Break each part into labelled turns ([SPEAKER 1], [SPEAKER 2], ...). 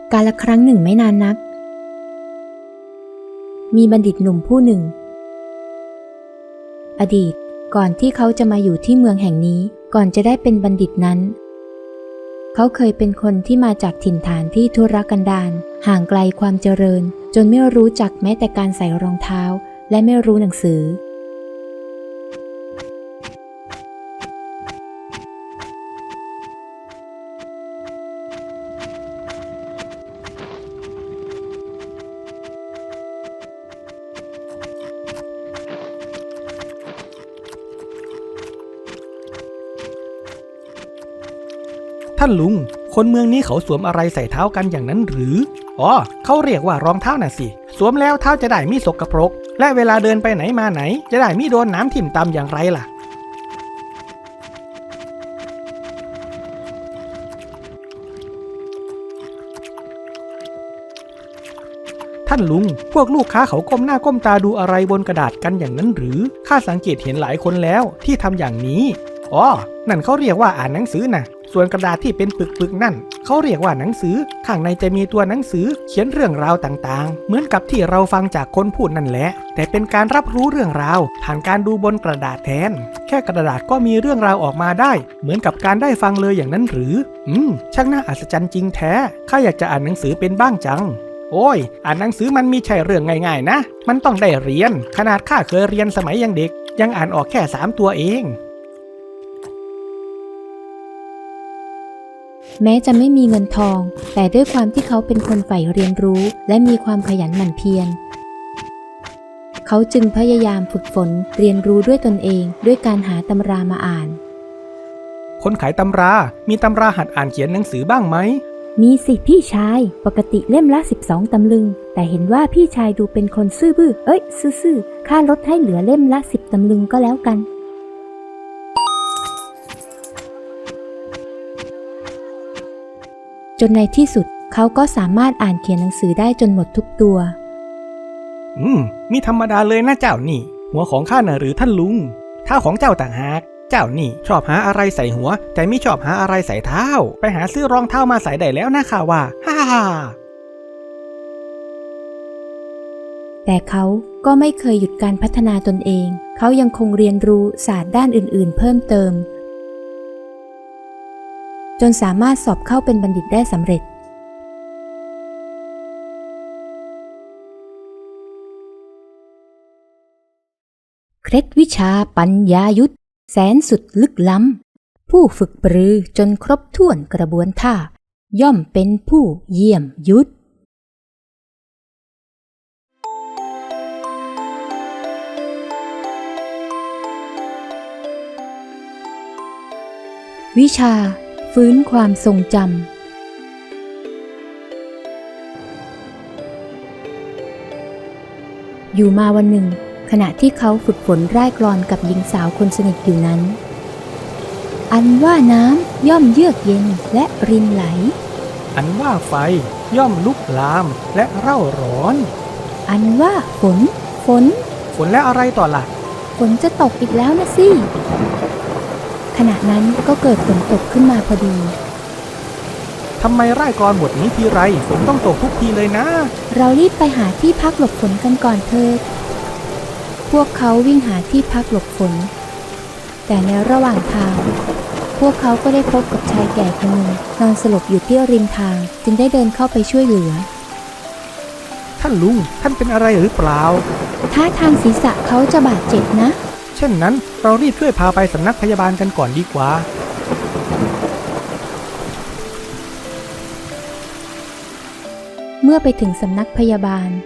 [SPEAKER 1] กาลครั้งหนึ่งไม่นานนักมีบัณฑิตหนุ่มผู้หนึ่งอดีตก่อนที่เขาจะมาอยู่ที่เมืองแห่งนี้ก่อนจะได้เป็นบัณฑิตนั้นเขาเคยเป็นคนที่มาจากถิ่นฐานที่ทุรกันดารห่างไกลความเจริญจนไม่รู้จักแม้แต่การใส่รองเท้าและไม่รู้หนังสือ
[SPEAKER 2] ท่านลุงคนเมืองนี้เขาสวมอะไรใส่เท้ากันอย่างนั้นหรืออ๋อเขาเรียกว่ารองเท้าน่ะสิสวมแล้วเท้าจะได้ไม่สกปรกและเวลาเดินไปไหนมาไหนจะได้ไม่โดนน้ำทิ่มตำอย่างไรล่ะท่านลุงพวกลูกค้าเขาก้มหน้าก้มตาดูอะไรบนกระดาษกันอย่างนั้นหรือข้าสังเกตเห็นหลายคนแล้วที่ทำอย่างนี้อ๋อนั่นเขาเรียกว่าอ่านหนังสือนะส่วนกระดาษที่เป็นปึกๆนั่นเขาเรียกว่าหนังสือข้างในจะมีตัวหนังสือเขียนเรื่องราวต่างๆเหมือนกับที่เราฟังจากคนพูดนั่นแหละแต่เป็นการรับรู้เรื่องราวผ่านการดูบนกระดาษแทนแค่กระดาษก็มีเรื่องราวออกมาได้เหมือนกับการได้ฟังเลยอย่างนั้นหรือช่างน่าอัศจรรย์จริงแท้ข้าอยากจะอ่านหนังสือเป็นบ้างจังโอ้ยอ่านหนังสือมันมีใช่เรื่องง่ายๆนะมันต้องได้เรียนขนาดข้าเคยเรียนสมัยยังเด็กยังอ่านออกแค่3ตัวเอง
[SPEAKER 1] แม้จะไม่มีเงินทองแต่ด้วยความที่เขาเป็นคนใฝ่เรียนรู้และมีความขยันหมั่นเพียรเขาจึงพยายามฝึกฝนเรียนรู้ด้วยตนเองด้วยการหาตำรามาอ่าน
[SPEAKER 2] คนขายตำรามีตำราหัดอ่านเขียนหนังสือบ้างไหม
[SPEAKER 1] มีสิพี่ชายปกติเล่มละ12 ตำลึงแต่เห็นว่าพี่ชายดูเป็นคนซื่อบื้อซื่อข้าลดให้เหลือเล่มละ10 ตำลึงก็แล้วกันจนในที่สุดเขาก็สามารถอ่านเขียนหนังสือได้จนหมดทุกตัว
[SPEAKER 2] มีธรรมดาเลยนะเจ้านี่หัวของข้าน่ะหรือท่านลุงเท้าของเจ้าต่างหากเจ้านี่ชอบหาอะไรใส่หัวแต่ไม่ชอบหาอะไรใส่เท้าไปหาซื้อรองเท้ามาใส่ได้แล้วนะข้าว่าฮ่า
[SPEAKER 1] แต่เขาก็ไม่เคยหยุดการพัฒนาตนเองเขายังคงเรียนรู้ศาสตร์ด้านอื่นๆเพิ่มเติมจนสามารถสอบเข้าเป็นบัณฑิตได้สำเร็จเคล็ดวิชาปัญญายุทธแสนสุดลึกล้ำผู้ฝึกปรือจนครบถ้วนกระบวนท่าย่อมเป็นผู้เยี่ยมยุทธวิชาฟื้นความทรงจำอยู่มาวันหนึ่งขณะที่เขาฝึกฝนร่ายกลอนกับหญิงสาวคนสนิทอยู่นั้นอันว่าน้ำย่อมเยือกเย็นและรินไหล
[SPEAKER 2] อันว่าไฟย่อมลุกลามและเร่าร้อน
[SPEAKER 1] อันว่าฝน
[SPEAKER 2] และอะไรต่อล่ะ
[SPEAKER 1] ฝนจะตกอีกแล้วนะสิขณะนั้นก็เกิดฝนตกขึ้นมาพอดี
[SPEAKER 2] ทำไมร่ายกลอนบทนี้ทีไรฝนต้องตกทุกทีเลยนะ
[SPEAKER 1] เรารีบไปหาที่พักหลบฝนกันก่อนเถิดพวกเขาวิ่งหาที่พักหลบฝนแต่ในระหว่างทางพวกเขาก็ได้พบกับชายแก่คนหนึ่งนอนสลบอยู่ที่ริมทางจึงได้เดินเข้าไปช่วยเหลือ
[SPEAKER 2] ท่านลุงท่านเป็นอะไรหรือเปล่า
[SPEAKER 1] ท่าทางศีรษะเขาจะบาดเจ็บนะ
[SPEAKER 2] เช่นนั้นเรารีบช่วยพาไปสำนักพยาบาลกันก่อนดีกว่า
[SPEAKER 1] เมื่อไปถึงสำนักพยาบาล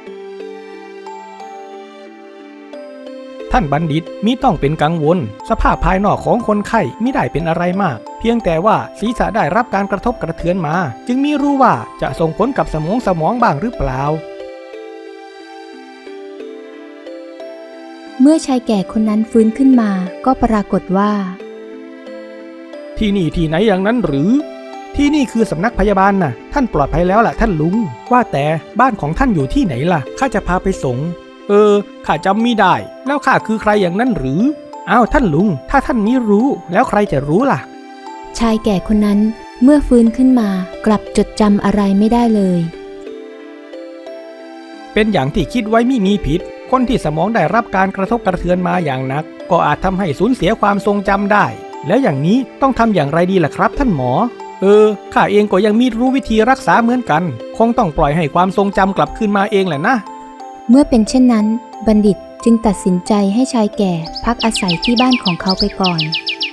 [SPEAKER 2] ท่านบัณฑิตมิต้องเป็นกังวลสภาพภายนอกของคนไข้มิได้เป็นอะไรมากเพียงแต่ว่าศีรษะได้รับการกระทบกระเทือนมาจึงมิรู้ว่าจะส่งผลกับสมองบ้างหรือเปล่า
[SPEAKER 1] เมื่อชายแก่คนนั้นฟื้นขึ้นมาก็ปรากฏว่า
[SPEAKER 2] ที่นี่ที่ไหนอย่างนั้นหรือที่นี่คือสำนักพยาบาลน่ะท่านปลอดภัยแล้วล่ะท่านลุงว่าแต่บ้านของท่านอยู่ที่ไหนล่ะข้าจะพาไปส่งข้าจำไม่ได้แล้วข้าคือใครอย่างนั้นหรืออ้าวท่านลุงถ้าท่านมิรู้แล้วใครจะรู้ล่ะ
[SPEAKER 1] ชายแก่คนนั้นเมื่อฟื้นขึ้นมากลับจดจำอะไรไม่ได้เลย
[SPEAKER 2] เป็นอย่างที่คิดไว้ไม่มีผิดคนที่สมองได้รับการกระทบกระเทือนมาอย่างหนักก็อาจทำให้สูญเสียความทรงจำได้แล้วอย่างนี้ต้องทำอย่างไรดีล่ะครับท่านหมอข้าเองก็ยังไม่รู้วิธีรักษาเหมือนกันคงต้องปล่อยให้ความทรงจำกลับคืนมาเองแหละนะ
[SPEAKER 1] เมื่อเป็นเช่นนั้นบัณฑิตจึงตัดสินใจให้ชายแก่พักอาศัยที่บ้านของเขาไปก่อน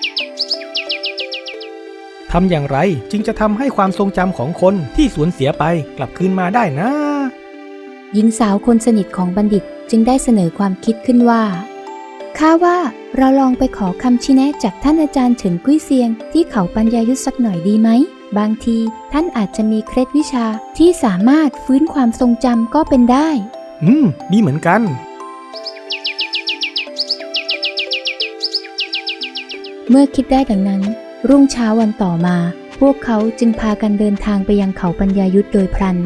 [SPEAKER 2] ทำอย่างไรจึงจะทำให้ความทรงจำของคนที่สูญเสียไปกลับคืนมาได้นะ
[SPEAKER 1] หญิงสาวคนสนิทของบัณฑิตจึงได้เสนอความคิดขึ้นว่าข้าว่าเราลองไปขอคำชี้แนะจากท่านอาจารย์เฉินกุ้ยเซียงที่เขาปัญญายุทธสักหน่อยดีไหมบางทีท่านอาจจะมีเคล็ดวิชาที่สามารถฟื้นความทรงจำก็เป็นได้
[SPEAKER 2] ดีเหมือนกัน
[SPEAKER 1] เมื่อคิดได้ดังนั้นรุ่งเช้าวันต่อมาพวกเขาจึงพากันเดินทางไปยังเขาปัญญายุทธโดยพลัน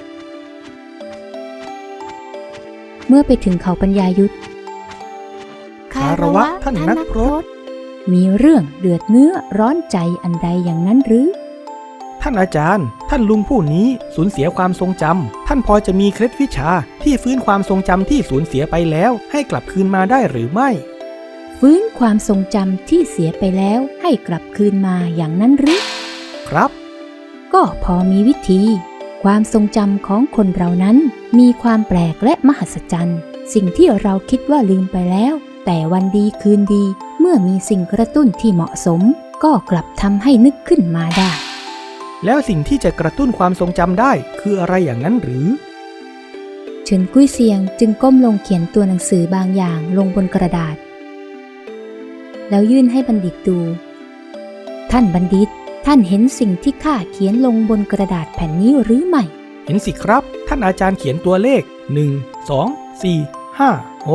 [SPEAKER 1] เมื่อไปถึงเขาปัญญายุทธ
[SPEAKER 2] คารวะท่านนักพรต
[SPEAKER 1] มีเรื่องเดือดเนื้อร้อนใจอันใดอย่างนั้นหรือ
[SPEAKER 2] ท่านอาจารย์ท่านลุงผู้นี้สูญเสียความทรงจำท่านพอจะมีเคล็ดวิชาที่ฟื้นความทรงจำที่สูญเสียไปแล้วให้กลับคืนมาได้หรือไม่
[SPEAKER 1] ฟื้นความทรงจำที่เสียไปแล้วให้กลับคืนมาอย่างนั้นหรือ
[SPEAKER 2] ครับ
[SPEAKER 1] ก็พอมีวิธีความทรงจำของคนเรานั้นมีความแปลกและมหัศจรรย์สิ่งที่เราคิดว่าลืมไปแล้วแต่วันดีคืนดีเมื่อมีสิ่งกระตุ้นที่เหมาะสมก็กลับทำให้นึกขึ้นมาได้
[SPEAKER 2] แล้วสิ่งที่จะกระตุ้นความทรงจำได้คืออะไรอย่างนั้นหรือ
[SPEAKER 1] เฉินกุ้ยเซียงจึงก้มลงเขียนตัวหนังสือบางอย่างลงบนกระดาษแล้วยื่นให้บัณฑิตดูท่านบัณฑิตท่านเห็นสิ่งที่ข้าเขียนลงบนกระดาษแผ่นนี้หรือไม่
[SPEAKER 2] เห็นสิครับท่านอาจารย์เขียนตัวเลข1 2 4 5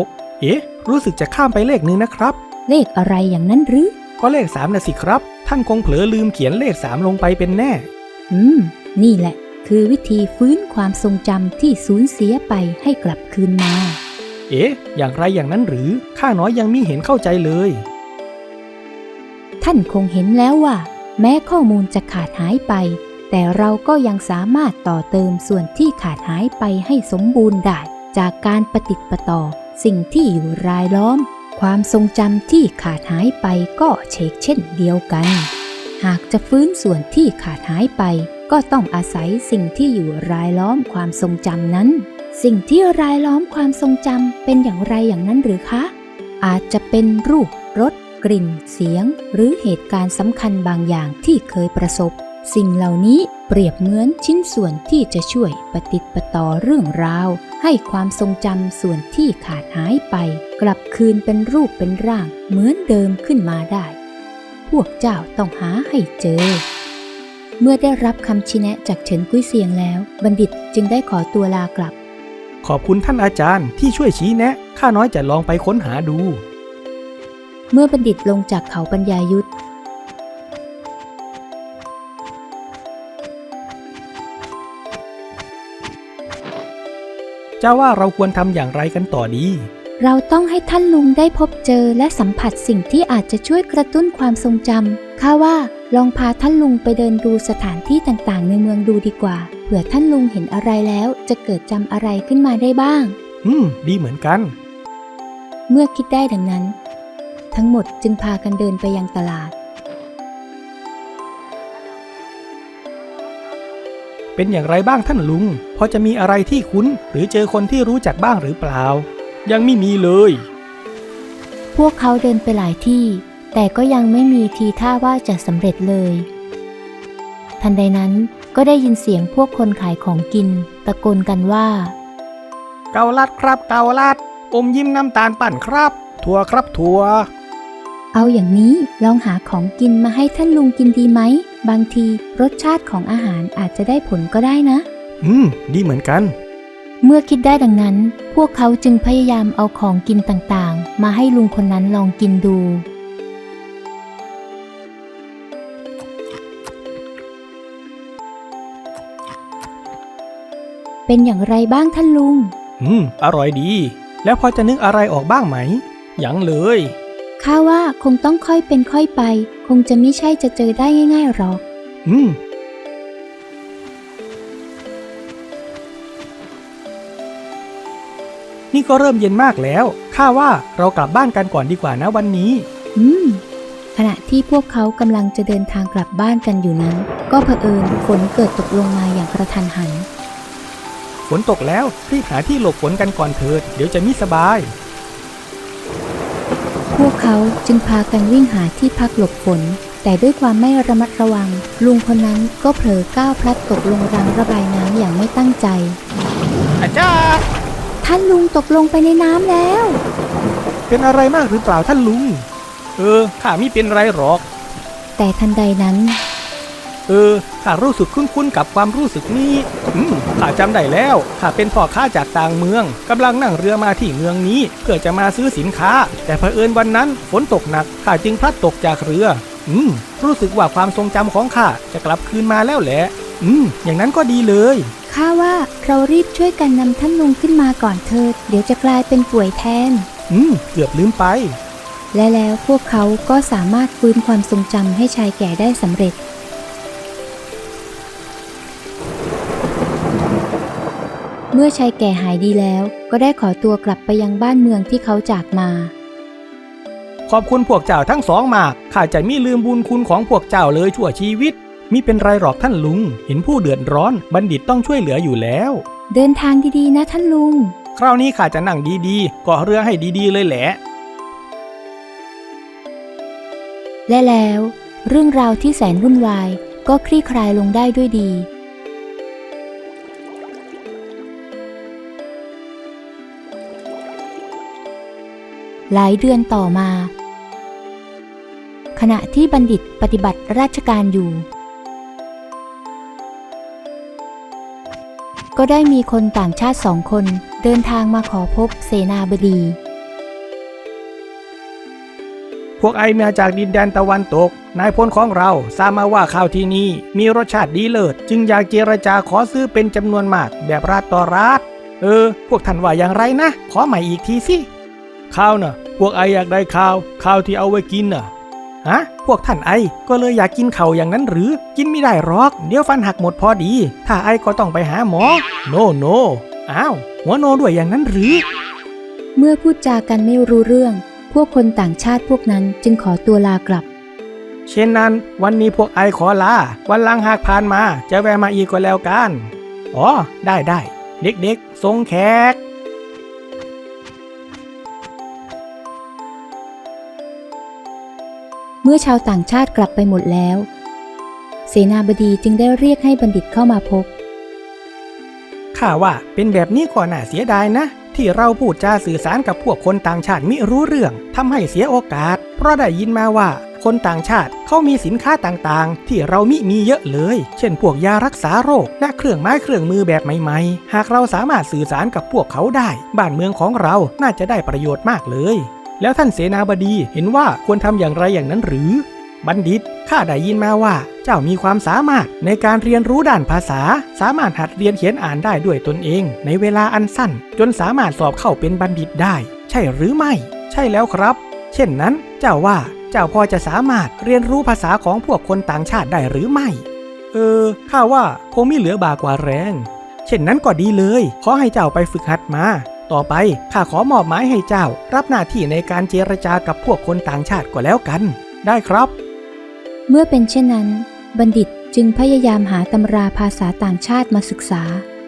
[SPEAKER 2] 6รู้สึกจะข้ามไปเลขนึงนะครับ
[SPEAKER 1] เลขอะไรอย่างนั้นหรือ
[SPEAKER 2] ก็เลข3นะสิครับท่านคงเผลอลืมเขียนเลข3ลงไปเป็นแน่
[SPEAKER 1] นี่แหละคือวิธีฟื้นความทรงจำที่สูญเสียไปให้กลับคืนมา
[SPEAKER 2] อย่างไรอย่างนั้นหรือข้าน้อยยังมิเห็นเข้าใจเลย
[SPEAKER 1] ท่านคงเห็นแล้วว่าแม้ข้อมูลจะขาดหายไปแต่เราก็ยังสามารถต่อเติมส่วนที่ขาดหายไปให้สมบูรณ์ได้จากการปฏิติดประต่อสิ่งที่อยู่รายล้อมความทรงจำที่ขาดหายไปก็เช่นเดียวกันหากจะฟื้นส่วนที่ขาดหายไปก็ต้องอาศัยสิ่งที่อยู่รายล้อมความทรงจำนั้นสิ่งที่รายล้อมความทรงจำเป็นอย่างไรอย่างนั้นหรือคะอาจจะเป็นรูปรสกลิ่นเสียงหรือเหตุการณ์สำคัญบางอย่างที่เคยประสบสิ่งเหล่านี้เปรียบเหมือนชิ้นส่วนที่จะช่วยปฏิติดประต่อเรื่องราวให้ความทรงจำส่วนที่ขาดหายไปกลับคืนเป็นรูปเป็นร่างเหมือนเดิมขึ้นมาได้พวกเจ้าต้องหาให้เจอเมื่อได้รับคำชี้แนะจากเฉินกุ้ยเซียงแล้วบัณฑิตจึงได้ขอตัวลากลับ
[SPEAKER 2] ขอบคุณท่านอาจารย์ที่ช่วยชี้แนะข้าน้อยจะลองไปค้นหาดู
[SPEAKER 1] เมื่อบัณฑิตลงจากเขาปัญญายุทธ
[SPEAKER 2] เจ้าว่าเราควรทำอย่างไรกันต่อดี
[SPEAKER 1] เราต้องให้ท่านลุงได้พบเจอและสัมผัสสิ่งที่อาจจะช่วยกระตุ้นความทรงจำข้าว่าลองพาท่านลุงไปเดินดูสถานที่ต่างๆในเมืองดูดีกว่าเผื่อท่านลุงเห็นอะไรแล้วจะเกิดจำอะไรขึ้นมาได้บ้าง
[SPEAKER 2] ดีเหมือนกัน
[SPEAKER 1] เมื่อคิดได้ดังนั้นทั้งหมดจึงพากันเดินไปยังตลาด
[SPEAKER 2] เป็นอย่างไรบ้างท่านลุงพอจะมีอะไรที่คุ้นหรือเจอคนที่รู้จักบ้างหรือเปล่ายังไม่มีเลย
[SPEAKER 1] พวกเขาเดินไปหลายที่แต่ก็ยังไม่มีทีท่าว่าจะสำเร็จเลยทันใดนั้นก็ได้ยินเสียงพวกคนขายของกินตะโกนกันว่า
[SPEAKER 2] เกาลัดครับเกาลัดอมยิ้มน้ำตาลปั่นครับถั่วครับถั่ว
[SPEAKER 1] เอาอย่างนี้ลองหาของกินมาให้ท่านลุงกินดีไหมบางทีรสชาติของอาหารอาจจะได้ผลก็ได้นะ
[SPEAKER 2] ดีเหมือนกัน
[SPEAKER 1] เมื่อคิดได้ดังนั้นพวกเขาจึงพยายามเอาของกินต่างๆมาให้ลุงคนนั้นลองกินดูเป็นอย่างไรบ้างท่านลุง
[SPEAKER 2] อร่อยดีแล้วพอจะนึกอะไรออกบ้างไหมยังเลย
[SPEAKER 1] ข้าว่าคงต้องค่อยเป็นค่อยไปคงจะไม่ใช่จะเจอได้ง่ายๆหรอก
[SPEAKER 2] นี่ก็เริ่มเย็นมากแล้วข้าว่าเรากลับบ้านกันก่อนดีกว่านะวันนี้
[SPEAKER 1] ขณะที่พวกเขากำลังจะเดินทางกลับบ้านกันอยู่นั้นก็เผอิญฝนเกิดตกลงมาอย่างกระทันหัน
[SPEAKER 2] ฝนตกแล้วรีบหาที่หลบฝนกันก่อนเถิดเดี๋ยวจะมิสบาย
[SPEAKER 1] พวกเขาจึงพากันวิ่งหาที่พักหลบฝนแต่ด้วยความไม่ระมัดระวังลุงคนนั้นก็เผลอก้าวพลัดตกลงรางระบายน้ำอย่างไม่ตั้งใจ
[SPEAKER 2] อาจารย์
[SPEAKER 1] ท่านลุงตกลงไปในน้ำแล้ว
[SPEAKER 2] เป็นอะไรมากหรือเปล่าท่านลุงข้าไม่เป็นไรหรอก
[SPEAKER 1] แต่ทันใดนั้น
[SPEAKER 2] ข้ารู้สึกคุ้นๆกับความรู้สึกนี้ข้าจำได้แล้วข้าเป็นพ่อค้าจากต่างเมืองกำลังนั่งเรือมาที่เมืองนี้เพื่อจะมาซื้อสินค้าแต่เผอิญวันนั้นฝนตกหนักข้าจึงพลัดตกจากเรือรู้สึกว่าความทรงจำของข้าจะกลับคืนมาแล้วแหละอย่างนั้นก็ดีเลย
[SPEAKER 1] ข้าว่าเรารีบช่วยกันนำท่านลุงขึ้นมาก่อนเถิดเดี๋ยวจะกลายเป็นป่วยแทน
[SPEAKER 2] เกือบลืมไป
[SPEAKER 1] และแล้วพวกเขาก็สามารถฟื้นความทรงจำให้ชายแก่ได้สำเร็จเมื่อชายแก่หายดีแล้วก็ได้ขอตัวกลับไปยังบ้านเมืองที่เขาจากมา
[SPEAKER 2] ขอบคุณพวกเจ้าทั้งสองมากข้าจะไม่ลืมบุญคุณของพวกเจ้าเลยชั่วชีวิตมิเป็นไรหรอกท่านลุงเห็นผู้เดือดร้อนบัณฑิตต้องช่วยเหลืออยู่แล้ว
[SPEAKER 1] เดินทางดีๆนะท่านลุง
[SPEAKER 2] คราวนี้ข้าจะนั่งดีๆเกาะเรือให้ดีๆเลยแหละ
[SPEAKER 1] และแล้วเรื่องราวที่แสนวุ่นวายก็คลี่คลายลงได้ด้วยดีหลายเดือนต่อมาขณะที่บัณฑิตปฏิบัติราชการอยู่ก็ได้มีคนต่างชาติ2 คนเดินทางมาขอพบเสนาบดี
[SPEAKER 2] พวกไอมาจากดินแดนตะวันตกนายพลของเราทราบมาว่าข้าวที่นี่มีรสชาติดีเลิศจึงอยากเจรจาขอซื้อเป็นจำนวนมากแบบราดต่อราดพวกท่านว่าอย่างไรนะขอใหม่อีกทีสิข้าวน่ะพวกไออยากได้ข้าวที่เอาไว้กินน่ะพวกท่านไอก็เลยอยากกินข้าวอย่างนั้นหรือกินไม่ได้หรอกเดี๋ยวฟันหักหมดพอดีถ้าไอก็ต้องไปหาหมอโนอ้าวหัวโนด้วยอย่างนั้นหรือ
[SPEAKER 1] เมื่อพูดจากันไม่รู้เรื่องพวกคนต่างชาติพวกนั้นจึงขอตัวลากลับ
[SPEAKER 2] เช่นนั้นวันนี้พวกไอขอลาวันหลังหากผ่านมาจะแวะมาอีกก็แล้วกันได้เด็กๆส่งแขก
[SPEAKER 1] เมื่อชาวต่างชาติกลับไปหมดแล้วเสนาบดีจึงได้เรียกให้บัณฑิตเข้ามาพบ
[SPEAKER 2] ข้าว่าเป็นแบบนี้ก็น่าเสียดายนะที่เราพูดจาสื่อสารกับพวกคนต่างชาติมิรู้เรื่องทำให้เสียโอกาสเพราะได้ยินมาว่าคนต่างชาติเขามีสินค้าต่างๆที่เรามิมีเยอะเลยเช่นพวกยารักษาโรคและเครื่องไม้เครื่องมือแบบใหม่ๆหากเราสามารถสื่อสารกับพวกเขาได้บ้านเมืองของเราน่าจะได้ประโยชน์มากเลยแล้วท่านเสนาบดีเห็นว่าควรทำอย่างไรอย่างนั้นหรือบัณฑิตข้าได้ยินมาว่าเจ้ามีความสามารถในการเรียนรู้ด้านภาษาสามารถหัดเรียนเขียนอ่านได้ด้วยตนเองในเวลาอันสั้นจนสามารถสอบเข้าเป็นบัณฑิตได้ใช่หรือไม่ใช่แล้วครับเช่นนั้นเจ้าว่าเจ้าพอจะสามารถเรียนรู้ภาษาของพวกคนต่างชาติได้หรือไม่ข้าว่าคงไม่เหลือบากว่าแรงเช่นนั้นก็ดีเลยขอให้เจ้าไปฝึกหัดมาต่อไปข้าขอมอบหมายให้เจ้ารับหน้าที่ในการเจรจากับพวกคนต่างชาติก็แล้วกันได้ครับ
[SPEAKER 1] เมื่อเป็นเช่นนั้นบัณฑิตจึงพยายามหาตำราภาษาต่างชาติมาศึกษา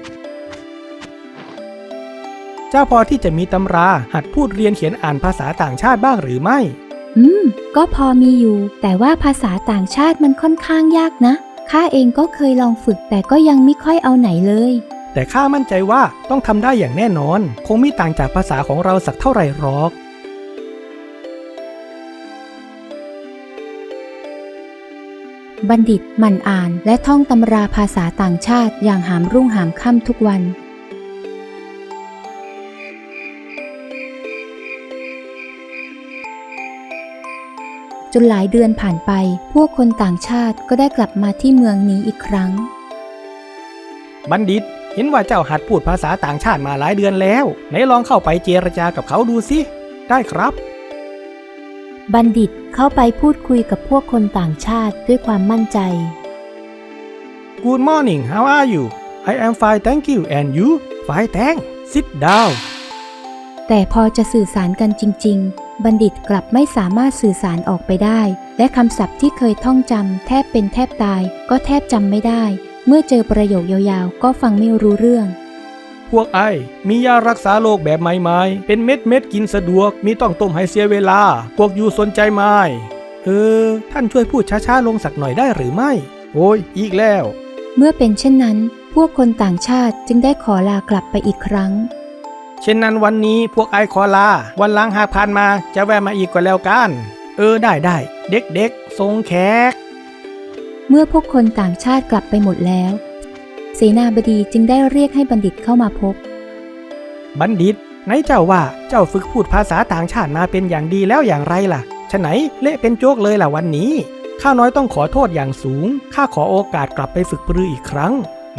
[SPEAKER 2] เจ้าพอที่จะมีตำราหัดพูดเรียนเขียนอ่านภาษาต่างชาติบ้างหรือไม่
[SPEAKER 1] ก็พอมีอยู่แต่ว่าภาษาต่างชาติมันค่อนข้างยากนะข้าเองก็เคยลองฝึกแต่ก็ยังไม่ค่อยเอาไหนเลย
[SPEAKER 2] แต่ข้ามั่นใจว่าต้องทำได้อย่างแน่นอนคงไม่ต่างจากภาษาของเราสักเท่าไหร่หรอก
[SPEAKER 1] บัณฑิตหมั่นอ่านและท่องตำราภาษาต่างชาติอย่างหามรุ่งหามค่ำทุกวันจนหลายเดือนผ่านไปพวกคนต่างชาติก็ได้กลับมาที่เมืองนี้อีกครั้ง
[SPEAKER 2] บัณฑิตเห็นว่าเจ้าหัดพูดภาษาต่างชาติมาหลายเดือนแล้วไหนลองเข้าไปเจรจากับเขาดูสิได้ครับ
[SPEAKER 1] บัณฑิตเข้าไปพูดคุยกับพวกคนต่างชาติด้วยความมั่นใจ
[SPEAKER 2] Good morning, how are you? I am fine, thank you. And you? Fine, thanks. Sit down.
[SPEAKER 1] แต่พอจะสื่อสารกันจริงๆบัณฑิตกลับไม่สามารถสื่อสารออกไปได้และคำศัพท์ที่เคยท่องจำแทบเป็นแทบตายก็แทบจำไม่ได้เมื่อเจอประโยคยาวๆก็ฟังไม่รู้เรื่อง
[SPEAKER 2] พวกไอมียารักษาโรคแบบใหม่ๆเป็นเม็ดกินสะดวกมีต้องต้มให้เสียเวลาพวกยูสนใจไหมท่านช่วยพูดช้าๆลงสักหน่อยได้หรือไม่โอ้ยอีกแล้ว
[SPEAKER 1] เมื่อเป็นเช่นนั้นพวกคนต่างชาติจึงได้ขอลากลับไปอีกครั้ง
[SPEAKER 2] เช่นนั้นวันนี้พวกไอขอลาวันหลังหากผ่านมาจะแวะมาอีกก็แล้วกันได้เด็กๆทรงแขก
[SPEAKER 1] เมื่อพวกคนต่างชาติกลับไปหมดแล้วเสนาบดีจึงได้เรียกให้บัณฑิตเข้ามาพบ
[SPEAKER 2] บัณฑิตไหนเจ้าว่าเจ้าฝึกพูดภาษาต่างชาติมาเป็นอย่างดีแล้วอย่างไรล่ะฉะไหนเละเป็นโจ๊กเลยล่ะวันนี้ข้าน้อยต้องขอโทษอย่างสูงข้าขอโอกาสกลับไปฝึกปรืออีกครั้ง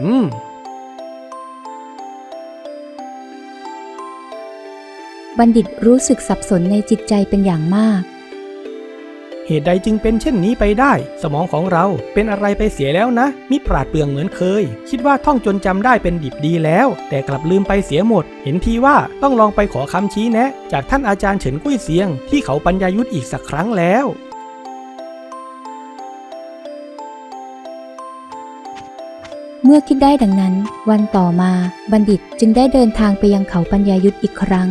[SPEAKER 1] บัณฑิตรู้สึกสับสนในจิตใจเป็นอย่างมาก
[SPEAKER 2] เหตุใดจึงเป็นเช่นนี้ไปได้สมองของเราเป็นอะไรไปเสียแล้วนะมิปราดเปรื่องเหมือนเคยคิดว่าท่องจนจำได้เป็นดิบดีแล้วแต่กลับลืมไปเสียหมดเห็นทีว่าต้องลองไปขอคำชี้แนะจากท่านอาจารย์เฉินกุ้ยเซียงที่เขาปัญญายุทธอีกสักครั้งแล้ว
[SPEAKER 1] เมื่อคิดได้ดังนั้นวันต่อมาบัณฑิตจึงได้เดินทางไปยังเขาปัญญายุทธอีกครั้ง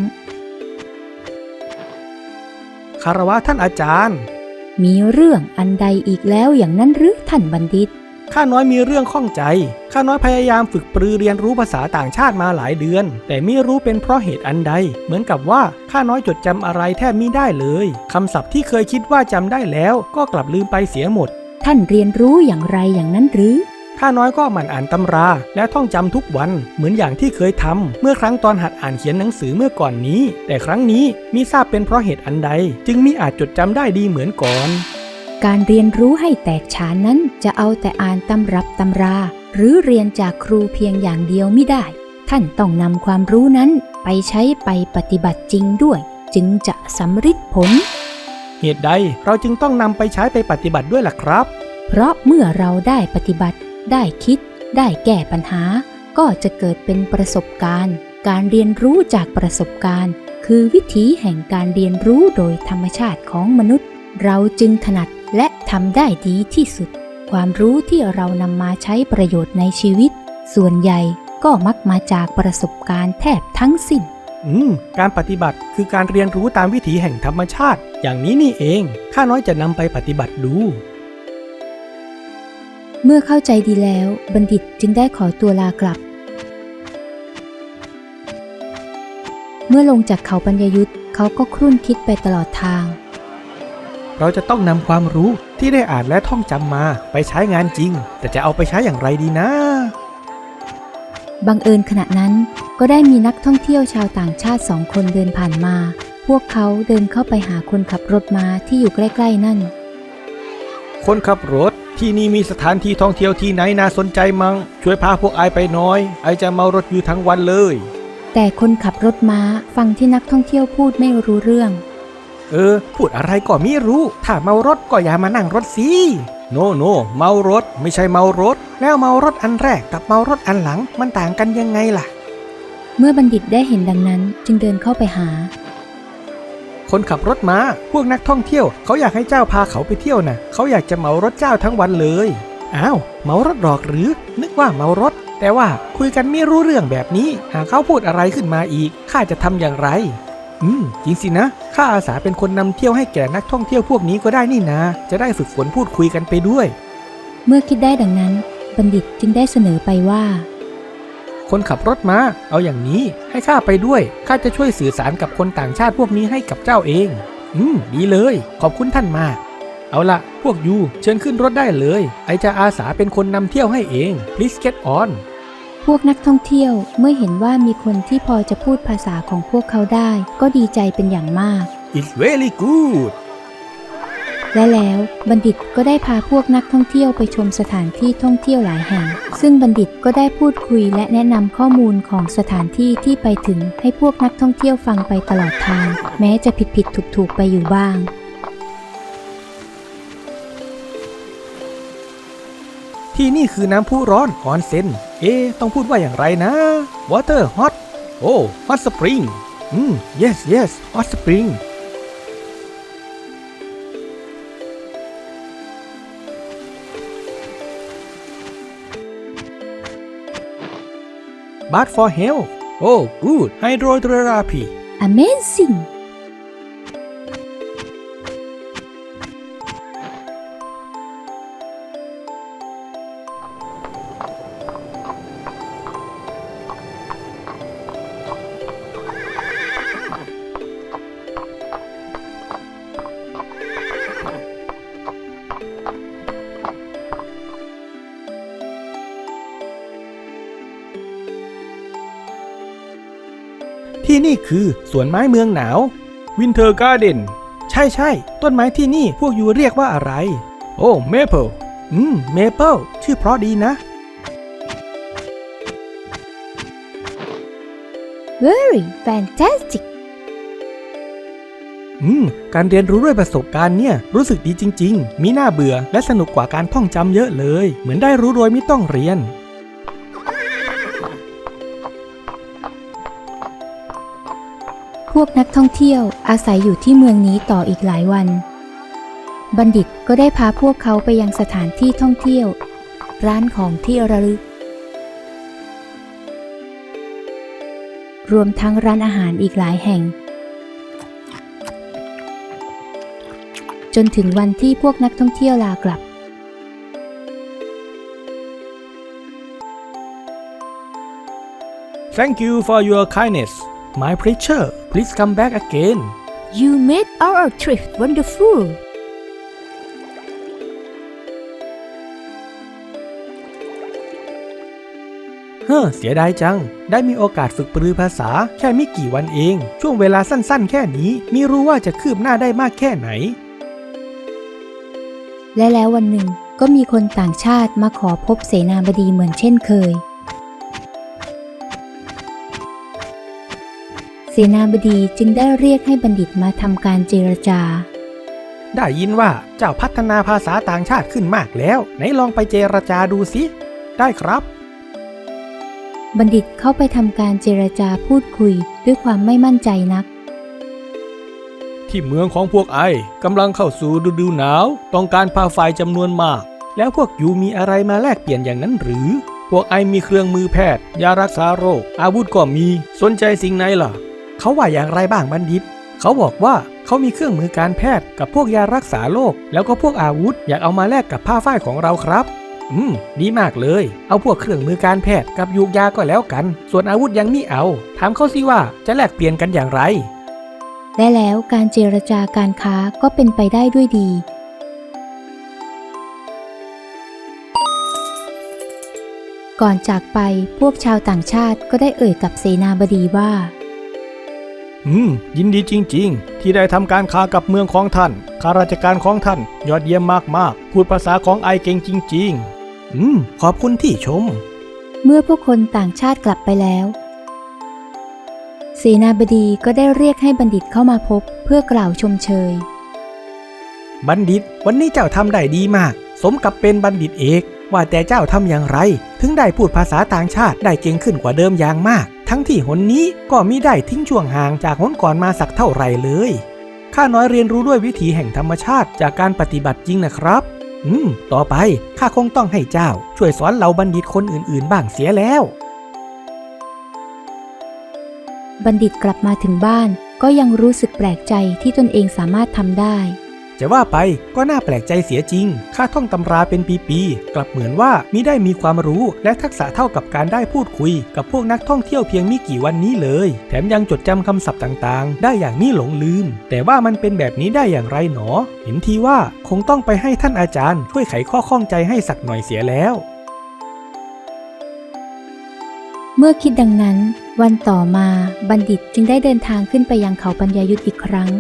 [SPEAKER 2] คารวะท่านอาจารย์
[SPEAKER 1] มีเรื่องอันใดอีกแล้วอย่างนั้นหรือท่านบัณฑิต
[SPEAKER 2] ข้าน้อยมีเรื่องข้องใจข้าน้อยพยายามฝึกปรือเรียนรู้ภาษาต่างชาติมาหลายเดือนแต่ไม่รู้เป็นเพราะเหตุอันใดเหมือนกับว่าข้าน้อยจดจำอะไรแทบมิได้เลยคำศัพท์ที่เคยคิดว่าจำได้แล้วก็กลับลืมไปเสียหมด
[SPEAKER 1] ท่านเรียนรู้อย่างไรอย่างนั้นหรือ
[SPEAKER 2] ข้าน้อยก็หมั่นอ่านตำราและท่องจำทุกวันเหมือนอย่างที่เคยทำเมื่อครั้งตอนหัดอ่านเขียนหนังสือเมื่อก่อนนี้แต่ครั้งนี้มิทราบเป็นเพราะเหตุอันใดจึงมิอาจจดจำได้ดีเหมือนก่อน
[SPEAKER 1] การเรียนรู้ให้แตกฉานนั้นจะเอาแต่อ่านตำรับตำราหรือเรียนจากครูเพียงอย่างเดียวไม่ได้ท่านต้องนำความรู้นั้นไปใช้ไปปฏิบัติจริงด้วยจึงจะสำฤทธิ์ผล
[SPEAKER 2] เหตุใดเราจึงต้องนำไปใช้ไปปฏิบัติด้วยล่ะครับ
[SPEAKER 1] เพราะเมื่อเราได้ปฏิบัติได้คิดได้แก้ปัญหาก็จะเกิดเป็นประสบการณ์การเรียนรู้จากประสบการณ์คือวิถีแห่งการเรียนรู้โดยธรรมชาติของมนุษย์เราจึงถนัดและทำได้ดีที่สุดความรู้ที่เรานำมาใช้ประโยชน์ในชีวิตส่วนใหญ่ก็มักมาจากประสบการณ์แทบทั้งสิ้น
[SPEAKER 2] การปฏิบัติคือการเรียนรู้ตามวิถีแห่งธรรมชาติอย่างนี้นี่เองข้าน้อยจะนำไปปฏิบัติดู
[SPEAKER 1] เมื่อเข้าใจดีแล้วบัณฑิตจึงได้ขอตัวลากลับเมื่อลงจากเขาปัญญายุทธเขาก็ครุ่นคิดไปตลอดทาง
[SPEAKER 2] เราจะต้องนำความรู้ที่ได้อ่านและท่องจำมาไปใช้งานจริงแต่จะเอาไปใช้อย่างไรดีนะ
[SPEAKER 1] บังเอิญขณะนั้นก็ได้มีนักท่องเที่ยวชาวต่างชาติ2 คนเดินผ่านมาพวกเขาเดินเข้าไปหาคนขับรถม้าที่อยู่ใกล้ๆนั่น
[SPEAKER 2] คนขับรถที่นี่มีสถานที่ท่องเที่ยวที่ไหนน่าสนใจมั้งช่วยพาพวกไอไปหน่อยไอจะเมารถอยู่ทั้งวันเลย
[SPEAKER 1] แต่คนขับรถม้าฟังที่นักท่องเที่ยวพูดไม่รู้เรื่อง
[SPEAKER 2] พูดอะไรก็ไม่รู้ถ้าเมารถก็อย่ามานั่งรถสิโนเมารถไม่ใช่เมารถแล้วเมารถอันแรกกับเมารถอันหลังมันต่างกันยังไงล่ะ
[SPEAKER 1] เมื่อบัณฑิตได้เห็นดังนั้นจึงเดินเข้าไปหา
[SPEAKER 2] คนขับรถม้าพวกนักท่องเที่ยวเขาอยากให้เจ้าพาเขาไปเที่ยวน่ะเขาอยากจะเหมารถเจ้าทั้งวันเลยอ้าวเหมารถหรอกหรือนึกว่าเหมารถแต่ว่าคุยกันไม่รู้เรื่องแบบนี้หากเขาพูดอะไรขึ้นมาอีกข้าจะทำอย่างไรจริงสินะข้าอาสาเป็นคนนำเที่ยวให้แก่นักท่องเที่ยวพวกนี้ก็ได้นี่นะจะได้ฝึกฝนพูดคุยกันไปด้วย
[SPEAKER 1] เมื่อคิดได้ดังนั้นบัณฑิตจึงได้เสนอไปว่า
[SPEAKER 2] คนขับรถม้าเอาอย่างนี้ให้ข้าไปด้วยข้าจะช่วยสื่อสารกับคนต่างชาติพวกนี้ให้กับเจ้าเองดีเลยขอบคุณท่านมากเอาละพวกยูเชิญขึ้นรถได้เลยไอจะอาสาเป็นคนนำเที่ยวให้เอง please get on
[SPEAKER 1] พวกนักท่องเที่ยวเมื่อเห็นว่ามีคนที่พอจะพูดภาษาของพวกเขาได้ก็ดีใจเป็นอย่างมาก
[SPEAKER 2] It's very good
[SPEAKER 1] และแล้วบัณฑิตก็ได้พาพวกนักท่องเที่ยวไปชมสถานที่ท่องเที่ยวหลายแห่งซึ่งบัณฑิตก็ได้พูดคุยและแนะนำข้อมูลของสถานที่ที่ไปถึงให้พวกนักท่องเที่ยวฟังไปตลอดทางแม้จะผิดถูกไปอยู่บ้าง
[SPEAKER 2] ที่นี่คือน้ำพุร้อนออนเซ็นต้องพูดว่าอย่างไรนะ water hot โอ้ hot spring yes yes hot spring bath for health โอ้ good hydrotherapy
[SPEAKER 1] Amazing
[SPEAKER 2] ที่นี่คือสวนไม้เมืองหนาว Winter Garden ใช่ต้นไม้ที่นี่พวกยูเรียกว่าอะไร โอ้ Maple Maple ชื่อเพราะดีนะ
[SPEAKER 1] Very fantastic
[SPEAKER 2] การเรียนรู้ด้วยประสบการณ์เนี่ยรู้สึกดีจริงๆมีน่าเบื่อและสนุกกว่าการท่องจำเยอะเลยเหมือนได้รู้โดยไม่ต้องเรียน
[SPEAKER 1] พวกนักท่องเที่ยวอาศัยอยู่ที่เมืองนี้ต่ออีกหลายวันบัณฑิตก็ได้พาพวกเขาไปยังสถานที่ท่องเที่ยวร้านของที่ระลึกรวมทั้งร้านอาหารอีกหลายแห่งจนถึงวันที่พวกนักท่องเที่ยวลากลับ
[SPEAKER 2] Thank you for your kindness my preacher please come back again
[SPEAKER 1] You made our trip wonderful
[SPEAKER 2] เสียดายจังได้มีโอกาสฝึกปรือภาษาแค่ไม่กี่วันเองช่วงเวลาสั้นๆแค่นี้มิรู้ว่าจะคืบหน้าได้มากแค่ไหน
[SPEAKER 1] และแล้ววันหนึ่งก็มีคนต่างชาติมาขอพบเสนาบดีเหมือนเช่นเคยเสนาบดีจึงได้เรียกให้บัณฑิตมาทำการเจรจา
[SPEAKER 2] ได้ยินว่าเจ้าพัฒนาภาษาต่างชาติขึ้นมากแล้วไหนลองไปเจรจาดูสิได้ครับ
[SPEAKER 1] บัณฑิตเข้าไปทำการเจรจาพูดคุยด้วยความไม่มั่นใจนัก
[SPEAKER 2] ที่เมืองของพวกไอกำลังเข้าสู่ฤดูหนาวต้องการผ้าฝ้ายจำนวนมากแล้วพวกยูมีอะไรมาแลกเปลี่ยนอย่างนั้นหรือพวกไอมีเครื่องมือแพทย์ยารักษาโรคอาวุธก็มีสนใจสิ่งไหนล่ะเขาว่าอย่างไรบ้างบัณฑิตเขาบอกว่าเขามีเครื่องมือการแพทย์กับพวกยารักษาโรคแล้วก็พวกอาวุธอยากเอามาแลกกับผ้าฝ้ายของเราครับดีมากเลยเอาพวกเครื่องมือการแพทย์กับยูกยาก็แล้วกันส่วนอาวุธยังมิเอาถามเขาสิว่าจะแลกเปลี่ยนกันอย่างไร
[SPEAKER 1] และแล้วการเจรจาการค้าก็เป็นไปได้ด้วยดีก่อนจากไปพวกชาวต่างชาติก็ได้เอ่ยกับเสนาบดีว่า
[SPEAKER 2] ยินดีจริงๆที่ได้ทำการค้ากับเมืองของท่านข้าราชการของท่านยอดเยี่ยมมากๆพูดภาษาของไอเก่งจริงๆขอบคุณที่ชม
[SPEAKER 1] เมื่อพวกคนต่างชาติกลับไปแล้วเสนาบดีก็ได้เรียกให้บัณฑิตเข้ามาพบเพื่อกล่าวชมเชย
[SPEAKER 2] บัณฑิตวันนี้เจ้าทำได้ดีมากสมกับเป็นบัณฑิตเอกว่าแต่เจ้าทำอย่างไรถึงได้พูดภาษาต่างชาติได้เก่งขึ้นกว่าเดิมอย่างมากทั้งที่หนนี้ก็มิได้ทิ้งช่วงห่างจากหนก่อนมาสักเท่าไหร่เลยข้าน้อยเรียนรู้ด้วยวิถีแห่งธรรมชาติจากการปฏิบัติจริงนะครับต่อไปข้าคงต้องให้เจ้าช่วยสอนเหล่าบัณฑิตคนอื่นๆบ้างเสียแล้ว
[SPEAKER 1] บัณฑิตกลับมาถึงบ้านก็ยังรู้สึกแปลกใจที่ตนเองสามารถทำได้
[SPEAKER 2] จะว่าไปก็น่าแปลกใจเสียจริงข้าท่องตำราเป็นปีๆกลับเหมือนว่ามิได้มีความรู้และทักษะเท่ากับการได้พูดคุยกับพวกนักท่องเที่ยวเพียงไม่กี่วันนี้เลยแถมยังจดจำคำศัพท์ต่างๆได้อย่างนี้หลงลืมแต่ว่ามันเป็นแบบนี้ได้อย่างไรหนอเห็นทีว่าคงต้องไปให้ท่านอาจารย์ช่วยไขข้อข้องใจให้สักหน่อยเสียแล้ว
[SPEAKER 1] เมื่อคิดดังนั้นวันต่อมาบัณฑิตจึงได้เดินทางขึ้นไปยังเขาปัญญายุทธอีกครั้ง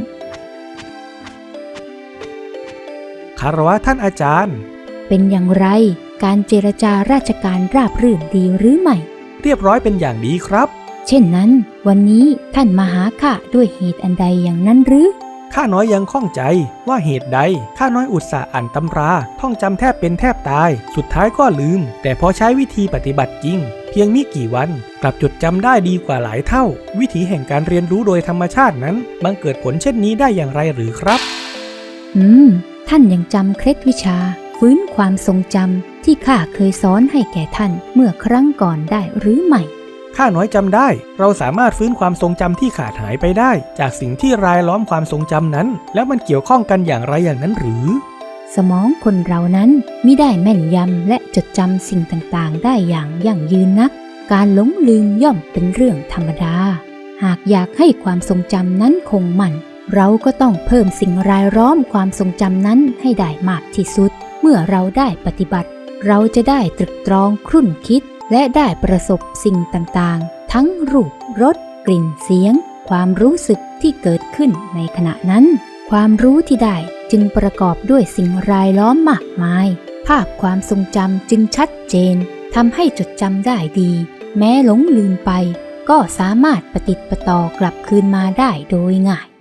[SPEAKER 2] คารวะท่านอาจารย์
[SPEAKER 1] เป็นอย่างไรการเจรจาราชการราบรื่นดีหรือไม่
[SPEAKER 2] เรียบร้อยเป็นอย่างดีครับ
[SPEAKER 1] เช่นนั้นวันนี้ท่านมาหาข้าด้วยเหตุอันใดอย่างนั้นหรือ
[SPEAKER 2] ข้าน้อยยังข้องใจว่าเหตุใดข้าน้อยอุตส่าห์อ่านตำราท่องจำแทบเป็นแทบตายสุดท้ายก็ลืมแต่พอใช้วิธีปฏิบัติจริงเพียงมิกี่วันกลับจดจำได้ดีกว่าหลายเท่าวิธีแห่งการเรียนรู้โดยธรรมชาตินั้นบังเกิดผลเช่นนี้ได้อย่างไรหรือครับ
[SPEAKER 1] ท่านยังจำเคล็ดวิชาฟื้นความทรงจำที่ข้าเคยสอนให้แก่ท่านเมื่อครั้งก่อนได้หรือไม่
[SPEAKER 2] ข้าน้อยจำได้เราสามารถฟื้นความทรงจำที่ขาดหายไปได้จากสิ่งที่รายล้อมความทรงจำนั้นแล้วมันเกี่ยวข้องกันอย่างไรอย่างนั้นหรือ
[SPEAKER 1] สมองคนเรานั้นมิได้แม่นยำและจดจำสิ่งต่างๆได้อย่างยั่งยืนนักการหลงลืมย่อมเป็นเรื่องธรรมดาหากอยากให้ความทรงจำนั้นคงมั่นเราก็ต้องเพิ่มสิ่งรายล้อมความทรงจำนั้นให้ได้มากที่สุดเมื่อเราได้ปฏิบัติเราจะได้ตรึกตรองครุ่นคิดและได้ประสบสิ่งต่างๆทั้งรูปรสกลิ่นเสียงความรู้สึกที่เกิดขึ้นในขณะนั้นความรู้ที่ได้จึงประกอบด้วยสิ่งรายล้อมมากมายภาพความทรงจำจึงชัดเจนทำให้จดจำได้ดีแม้หลงลืมไปก็สามารถปฏิติดประต่อกลับคืนมาได้โดยง่าย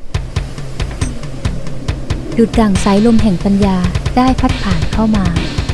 [SPEAKER 1] ดุจดั่งสายลมแห่งปัญญาได้พัดผ่านเข้ามา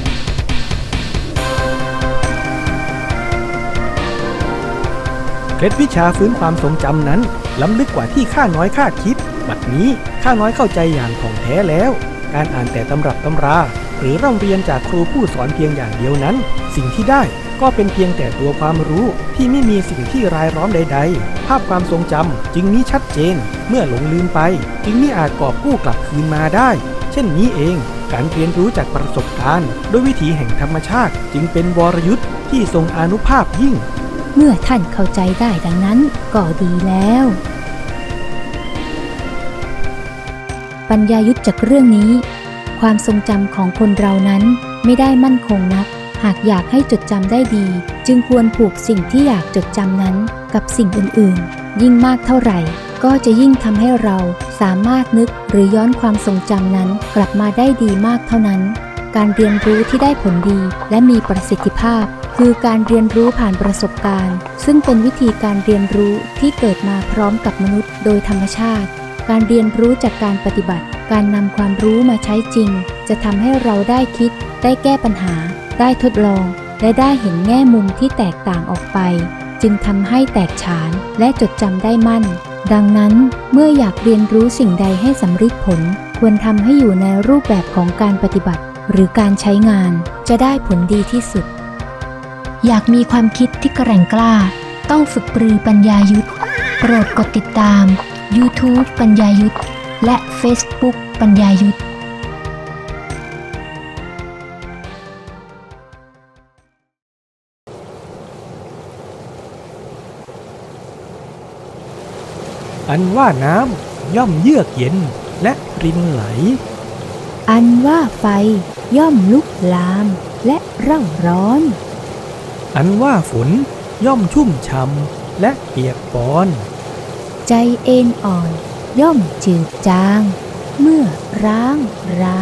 [SPEAKER 2] เคล็ดวิชาฟื้นความทรงจำนั้นล้ำลึกกว่าที่ข้าน้อยคาดคิดบัดนี้ข้าน้อยเข้าใจอย่างถ่องแท้แล้วการอ่านแต่ตำรับตำราหรือร่ำเรียนจากครูผู้สอนเพียงอย่างเดียวนั้นสิ่งที่ได้ก็เป็นเพียงแต่ตัวความรู้ที่ไม่มีสิ่งที่รายล้อมใดๆภาพความทรงจำจึงมิชัดเจนเมื่อหลงลืมไปจึงมิอาจกอบกู้กลับคืนมาได้เช่นนี้เองการเรียนรู้จากประสบการณ์ด้วยวิถีแห่งธรรมชาติจึงเป็นวรยุทธ์ที่ทรงอานุภาพยิ่ง
[SPEAKER 1] เมื่อท่านเข้าใจได้ดังนั้นก็ดีแล้วปัญญายุทธจากเรื่องนี้ความทรงจำของคนเรานั้นไม่ได้มั่นคงนักหากอยากให้จดจำได้ดีจึงควรผูกสิ่งที่อยากจดจำนั้นกับสิ่งอื่นๆยิ่งมากเท่าไหร่ก็จะยิ่งทำให้เราสามารถนึกหรือย้อนความทรงจำนั้นกลับมาได้ดีมากเท่านั้นการเรียนรู้ที่ได้ผลดีและมีประสิทธิภาพคือการเรียนรู้ผ่านประสบการณ์ซึ่งเป็นวิธีการเรียนรู้ที่เกิดมาพร้อมกับมนุษย์โดยธรรมชาติการเรียนรู้จากการปฏิบัติการนำความรู้มาใช้จริงจะทำให้เราได้คิดได้แก้ปัญหาได้ทดลองและได้เห็นแง่มุมที่แตกต่างออกไปจึงทำให้แตกฉานและจดจำได้มั่นดังนั้นเมื่ออยากเรียนรู้สิ่งใดให้สำเร็จผลควรทำให้อยู่ในรูปแบบของการปฏิบัติหรือการใช้งานจะได้ผลดีที่สุดอยากมีความคิดที่แกร่งกล้าต้องฝึกปรือปัญญายุทธโปรดกดติดตาม YouTube ปัญญายุทธและ Facebook ปัญญายุทธ
[SPEAKER 2] อันว่าน้ำย่อมเยือกเย็นและรินไหล
[SPEAKER 1] อันว่าไฟย่อมลุกลามและเร่าร้อน
[SPEAKER 2] อันว่าฝนย่อมชุ่มช่ำและเปียกปอน
[SPEAKER 1] ใจเอ็นอ่อนย่อมจืดจางเมื่อร้างรา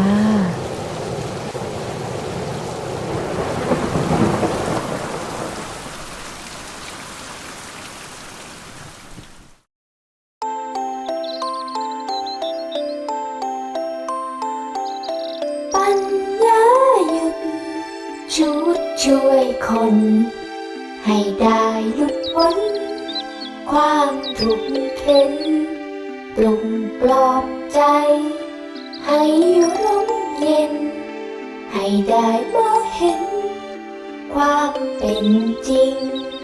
[SPEAKER 3] ปัญญายุทธชุดช่วยคนให้ได้หลุดพ้นความทุกข์เข็นปลุกปลอบใจให้ร่มเย็นให้ได้มองเห็นความเป็นจริง